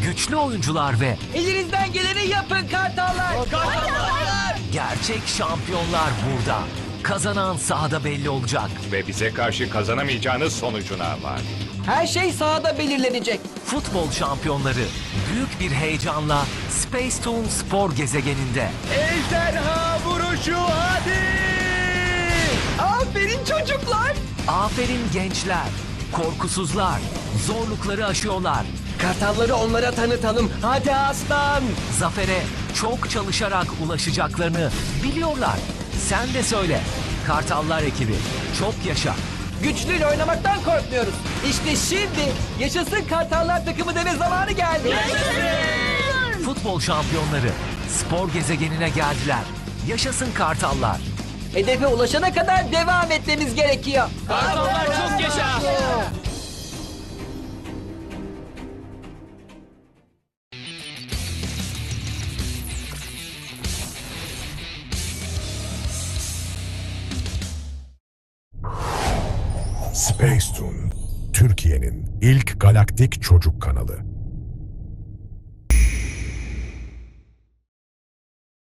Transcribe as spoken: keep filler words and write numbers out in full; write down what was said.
güçlü oyuncular ve Elinizden geleni yapın kartallar. Kartallar. gerçek şampiyonlar burada. Kazanan sahada belli olacak. Ve bize karşı kazanamayacağınız sonucuna var. Her şey sahada belirlenecek. Futbol şampiyonları büyük bir heyecanla Space Toon spor gezegeninde. Ejderha vuruşu hadi. Aferin çocuklar. Aferin gençler, korkusuzlar, zorlukları aşıyorlar. Kartalları onlara tanıtalım. Hadi aslan. Zafere çok çalışarak ulaşacaklarını biliyorlar. Sen de söyle. Kartallar ekibi çok yaşa. Güçlüyle oynamaktan korkmuyoruz. İşte şimdi yaşasın kartallar takımı deme zamanı geldi. Futbol şampiyonları spor gezegenine geldiler. Yaşasın Kartallar. Hedefe ulaşana kadar devam etmemiz gerekiyor. Kartallar çok yaşa. Space Toon, Türkiye'nin ilk galaktik çocuk kanalı.